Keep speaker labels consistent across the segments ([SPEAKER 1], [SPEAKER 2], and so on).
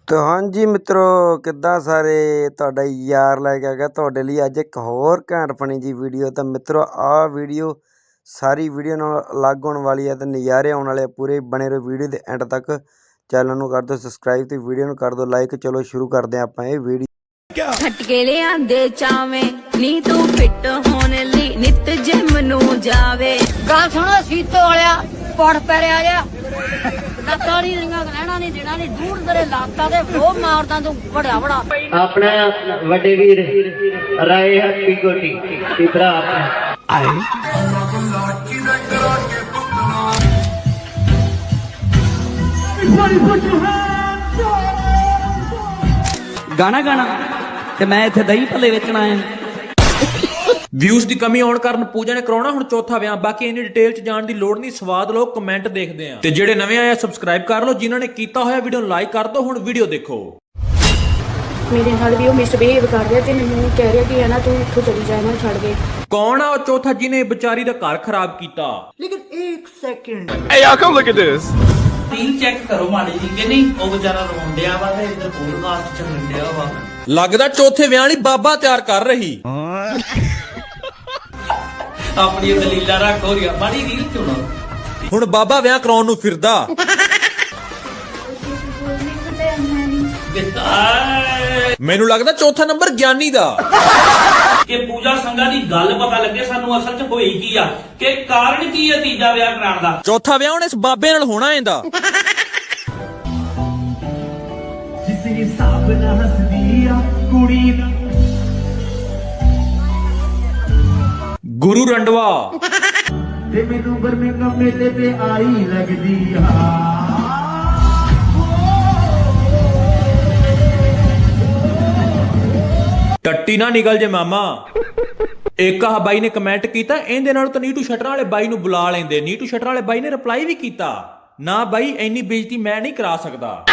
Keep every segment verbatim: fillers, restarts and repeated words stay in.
[SPEAKER 1] तो हाँ जी मित्रों किद्दां सारे तुहाडा यार लैके आ गया तुहाडे लई अज एक होर घैंट फनी जी वीडियो। तो मित्रों आ वीडियो सारी वीडियो नाल अलग होने वाली है तो नज़ारे आने वाले पूरे बने रहो वीडियो के एंड तक। चैनल नूं कर दो सबसक्राइब तो वीडियो नूं कर दो लाइक। चलो शुरू करते हैं आपां ये वीडियो।
[SPEAKER 2] झटके लिआंदे चावें नी तू फिट होने लई नित जिम नूं जावे।
[SPEAKER 3] गल सुनो सीतो वालिया पड़ पैरिया जा ਲੱਤਾਂ ਨਹੀਂ ਰਿੰਗਾ ਰਹਿਣਾ ਨਹੀਂ ਦੇਣਾ ਨਹੀਂ ਦੂਰ ਤੇਰੇ ਲਾਤਾਂ ਤੇ ਉਹ ਮਾਰਦਾ ਤੂੰ ਬੜਾ ਬੜਾ
[SPEAKER 4] ਆਪਣਾ ਵੱਡੇ ਵੀਰ ਰਾਏ ਹੱਟੀ ਕੋਟੀ ਤੇ ਭਰਾ ਆਪਣਾ ਆਏ
[SPEAKER 5] ਗਾਣਾ ਗਾਣਾ ਤੇ ਮੈਂ ਇੱਥੇ ਦਹੀਂ ਭੱਲੇ ਵੇਚਣ ਆਇਆ।
[SPEAKER 6] ਵਿਊਜ਼ ਦੀ ਕਮੀ ਆਉਣ ਕਾਰਨ ਪੂਜਾ ਨੇ ਕਰਾਉਣਾ ਹੁਣ ਚੌਥਾ ਵਿਆਹ। ਬਾਕੀ ਇੰਨੀ ਡਿਟੇਲ ਚ ਜਾਣ ਦੀ ਲੋੜ ਨਹੀਂ, ਸਵਾਦ ਲਓ ਕਮੈਂਟ ਦੇਖਦੇ ਆ। ਤੇ ਜਿਹੜੇ ਨਵੇਂ ਆਏ ਆ ਸਬਸਕ੍ਰਾਈਬ ਕਰ ਲਓ, ਜਿਨ੍ਹਾਂ ਨੇ ਕੀਤਾ ਹੋਇਆ ਵੀਡੀਓ ਨੂੰ ਲਾਈਕ ਕਰ ਦਿਓ। ਹੁਣ ਵੀਡੀਓ ਦੇਖੋ।
[SPEAKER 7] ਮੇਰੇ ਨਾਲ ਵੀ ਉਹ ਮਿਸਬਿਹੇਵ ਕਰ ਰਿਹਾ ਤੇ ਮੈਨੂੰ ਕਹਿ ਰਿਹਾ ਕਿ ਹੈ ਨਾ ਤੂੰ ਇੱਥੋਂ ਚਲੀ ਜਾ ਨਾ ਛੱਡ ਕੇ।
[SPEAKER 6] ਕੌਣ ਆ ਉਹ ਚੌਥਾ ਜਿਹਨੇ ਵਿਚਾਰੀ ਦਾ ਘਰ ਖਰਾਬ ਕੀਤਾ?
[SPEAKER 4] ਲੇਕਿਨ ਇੱਕ second
[SPEAKER 8] Hey y'all come look at this.
[SPEAKER 5] Team check ਕਰੋ ਮਾੜੀ ਜੀ ਕਿ ਨਹੀਂ ਉਹ ਵਿਚਾਰਾ ਰੋਂਦਿਆ ਵਾ ਤੇ ਇੱਧਰ ਪੋਡਕਾਸਟ ਚੱਲਣ ਡਿਆ ਵਾ।
[SPEAKER 6] ਲੱਗਦਾ ਚੌਥੇ ਵਿਆਹ ਲਈ ਬਾਬਾ ਤਿਆਰ ਕਰ ਰਹੀ।
[SPEAKER 5] ਆਪਣੀ ਦਲੀਲਾ ਰੱਖ ਹੋ ਰਿਹਾ ਮਾੜੀ ਰੀਲ ਚੁਣੋ।
[SPEAKER 6] ਹੁਣ ਬਾਬਾ ਵਿਆਹ ਕਰਾਉਣ ਨੂੰ ਫਿਰਦਾ। ਮੈਨੂੰ ਲੱਗਦਾ ਚੌਥਾ ਨੰਬਰ ਗਿਆਨੀ ਦਾ।
[SPEAKER 9] ਕਿ ਪੂਜਾ ਸੰਘਾ ਦੀ ਗੱਲ ਪਤਾ ਲੱਗੇ ਸਾਨੂੰ ਅਸਲ 'ਚ ਹੋਈ ਕੀ ਆ, ਕਿ ਕਾਰਨ ਕੀ ਹੈ ਤੀਜਾ ਵਿਆਹ ਕਰਾਉਣ ਦਾ।
[SPEAKER 6] ਚੌਥਾ ਵਿਆਹ ਹੁਣ ਇਸ ਬਾਬੇ ਨਾਲ ਹੋਣਾ ਇਹਦਾ।
[SPEAKER 4] ਜਿਸ ਹਿਸਾਬ ਨਾਲ ਹੱਸਦੀ ਆ ਕੁੜੀ ਦਾ
[SPEAKER 6] ਗੁਰੂ ਰੰਡਵਾ
[SPEAKER 4] ਤੇ ਮੈਨੂੰ ਬਰਮਿੰਘਮ ਮੇਲੇ ਤੇ ਆਈ ਲੱਗਦੀ ਆ।
[SPEAKER 6] ਟੱਟੀ ਨਾ ਨਿਕਲ ਜੇ ਮਾਮਾ। ਇੱਕ ਆਹ ਬਾਈ ਨੇ ਕਮੈਂਟ ਕੀਤਾ ਇਹਦੇ ਨਾਲ ਤਾਂ ਨੀਟੂ ਸ਼ਟਰਾਂ ਵਾਲੇ ਬਾਈ ਨੂੰ ਬੁਲਾ ਲੈਂਦੇ। ਨੀਟੂ ਸ਼ਟਰਾਂ ਵਾਲੇ ਬਾਈ ਨੇ ਰਿਪਲਾਈ ਵੀ ਕੀਤਾ ਨਾ ਬਾਈ ਇੰਨੀ ਬੇਇੱਜ਼ਤੀ ਮੈਂ ਨਹੀਂ ਕਰਾ ਸਕਦਾ।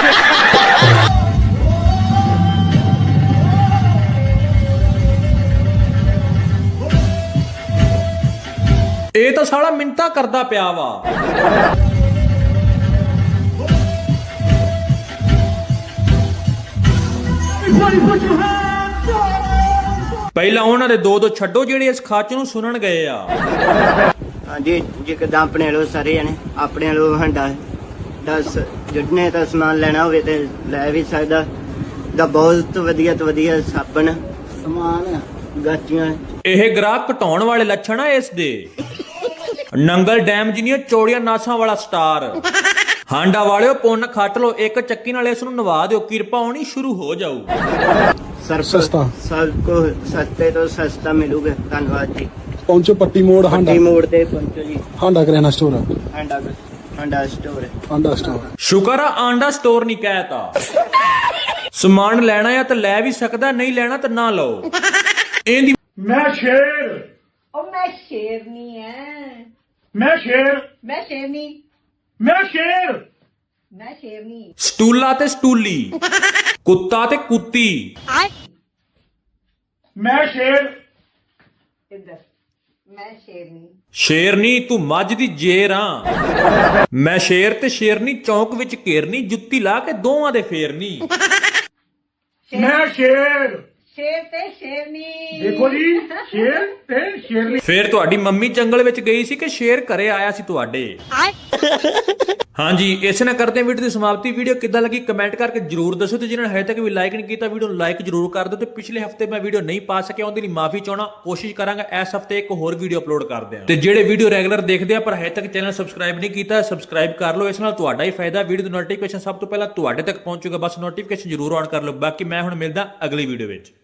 [SPEAKER 6] ਇਹ ਤਾਂ ਸਾਲਾ ਮਿੰਤਾ ਕਰਦਾ ਪਿਆ ਵਾ। ਪਹਿਲਾਂ ਉਹਨਾਂ ਦੇ ਦੋ ਦੋ ਛੱਡੋ ਜਿਹੜੇ ਇਸ ਖਾਚ ਨੂੰ ਸੁਣਨ ਗਏ ਆ।
[SPEAKER 4] ਹਾਂਜੀ ਜੇ ਕਿਦਾਂ ਆਪਣੇ ਲੋ ਸਾਰੇ ਜਣੇ ਆਪਣੇ ਲੋ ਹੰਡਾ ਦਸ ਜਿੰਨੇ ਤਾਂ ਸਮਾਨ ਲੈਣਾ ਹੋਵੇ ਤੇ ਲੈ ਵੀ ਸਕਦਾ। ਦਾ ਬਹੁਤ ਵਧੀਆ ਤੋਂ ਵਧੀਆ ਸਾਬਣ ਸਮਾਨ ਗਾਚੀਆਂ।
[SPEAKER 6] ਇਹ ਗ੍ਰਾਹਕ ਘਟਾਉਣ ਵਾਲੇ ਲੱਛਣ ਆ ਇਸ ਦੇ। ਨੰਗਲ ਡੈਮ ਜਿਹੀਆਂ ਚੌੜੀਆਂ ਨਾਸਾਂ ਵਾਲਾ ਸਟਾਰ। ਹਾਂਡਾ ਵਾਲਿਓ ਪੁੰਨ ਖੱਟ ਲੋ, ਇੱਕ ਚੱਕੀ ਨਾਲ ਇਸ ਨੂੰ ਨਵਾ ਦਿਓ, ਕਿਰਪਾ ਹੋਣੀ ਸ਼ੁਰੂ ਹੋ ਜਾਊ।
[SPEAKER 8] ਸਸਤਾ
[SPEAKER 4] ਸਭ ਕੋ ਸਸਤੇ ਤੋਂ ਸਸਤਾ ਮਿਲੂਗਾ। ਧੰਨਵਾਦ ਜੀ।
[SPEAKER 8] ਪਹੁੰਚੋ ਪੱਟੀ ਮੋੜ ਹਾਂਡਾ
[SPEAKER 4] ਪੱਟੀ ਮੋੜ ਤੇ ਪਹੁੰਚੋ ਜੀ।
[SPEAKER 8] ਹਾਂਡਾ ਕਰਿਆਨਾ store
[SPEAKER 4] Handa Handa store
[SPEAKER 8] Handa store.
[SPEAKER 6] ਸ਼ੁਕਰ ਆ ਆਂਡਾ ਸਟੋਰ ਨਹੀਂ ਕਹਿਤਾ। ਸਮਾਨ ਲੈਣਾ ਆ ਤਾਂ ਲੈ ਵੀ ਸਕਦਾ, ਨਹੀਂ ਲੈਣਾ ਤਾਂ ਨਾ ਲਓ। ਇਹਦੀ
[SPEAKER 8] ਮੈਂ ਸ਼ੇਰ
[SPEAKER 3] ਉਹ ਮੈਂ ਸ਼ੇਰਨੀ ਐ
[SPEAKER 8] ਮੈਂ ਸ਼ੇਰ
[SPEAKER 3] ਮੈਂ ਸ਼ੇਰਨੀ
[SPEAKER 8] ਮੈਂ ਸ਼ੇਰ
[SPEAKER 3] ਮੈਂ ਸ਼ੇਰਨੀ
[SPEAKER 6] ਸਟੂਲਾ ਤੇ ਸਟੂਲੀ, ਕੁੱਤਾ ਤੇ ਕੁੱਤੀ।
[SPEAKER 8] ਮੈਂ ਸ਼ੇਰ
[SPEAKER 3] ਇੱਧਰ ਮੈਂ ਸ਼ੇਰਨੀ
[SPEAKER 6] ਸ਼ੇਰਨੀ ਤੂੰ ਮੱਝ ਦੀ ਜੇਰ ਆ। ਮੈਂ ਸ਼ੇਰ ਤੇ ਸ਼ੇਰਨੀ ਚੌਂਕ ਵਿੱਚ ਘੇਰਨੀ, ਜੁੱਤੀ ਲਾ ਕੇ ਦੋਵਾਂ ਦੇ ਫੇਰਨੀ।
[SPEAKER 8] ਮੈਂ ਸ਼ੇਰ
[SPEAKER 3] ਸ਼ੇਰ ਤੇ ਸ਼ੇਰਨੀ।
[SPEAKER 8] ਦੇਖੋ ਜੀ ਸ਼ੇਰ ਤੇ ਸ਼ੇਰਨੀ।
[SPEAKER 6] ਫੇਰ ਤੁਹਾਡੀ ਮੰਮੀ ਜੰਗਲ ਵਿੱਚ ਗਈ ਸੀ ਕਿ ਸ਼ੇਰ ਘਰੇ ਆਇਆ ਸੀ ਤੁਹਾਡੇ? ਹਾਂਜੀ ਇਸ ਨਾਲ ਕਰਦੇ ਵੀਡੀਓ ਦੀ ਸਮਾਪਤੀ। ਵੀਡੀਓ ਕਿੱਦਾਂ ਲੱਗੀ ਕਮੈਂਟ ਕਰਕੇ ਜਰੂਰ ਦੱਸੋ ਤੇ ਜਿਹਨਾਂ ਨੇ ਹਜੇ ਤੱਕ ਵੀ ਲਾਈਕ ਨਹੀਂ ਕੀਤਾ ਵੀਡੀਓ ਨੂੰ ਲਾਈਕ ਜਰੂਰ ਕਰ ਦਿਓ। ਤੇ ਪਿਛਲੇ ਹਫਤੇ ਮੈਂ ਵੀਡੀਓ ਨਹੀਂ ਪਾ ਸਕਿਆ ਉਹਦੇ ਲਈ ਮਾਫੀ ਚਾਹਣਾ। ਕੋਸ਼ਿਸ਼ ਕਰਾਂਗਾ ਇਸ ਹਫਤੇ ਇੱਕ ਹੋਰ ਵੀਡੀਓ ਅਪਲੋਡ ਕਰਦੇ ਹਾਂ। ਤੇ ਜਿਹੜੇ ਵੀਡੀਓ ਰੈਗੂਲਰ ਦੇਖਦੇ ਆ ਪਰ ਹਜੇ ਤੱਕ ਚੈਨਲ ਸਬਸਕ੍ਰਾਈਬ ਨਹੀਂ ਕੀਤਾ ਸਬਸਕ੍ਰਾਈਬ ਕਰ ਲਓ। ਇਸ ਨਾਲ ਤੁਹਾਡਾ ਹੀ ਫਾਇਦਾ। ਵੀਡੀਓ ਦੀ ਨੋਟੀਫਿਕੇਸ਼ਨ ਸਭ ਤੋਂ ਪਹਿਲਾਂ ਤੁਹਾਡੇ ਤੱਕ ਪਹੁੰਚੂਗਾ। ਬਸ ਨੋਟੀਫਿਕੇਸ਼ਨ ਜਰੂਰ ਆਨ ਕਰ ਲਓ। ਬਾਕੀ ਮੈਂ ਹੁਣ ਮਿਲਦਾ ਅਗਲੀ ਵੀਡੀਓ ਵਿੱਚ।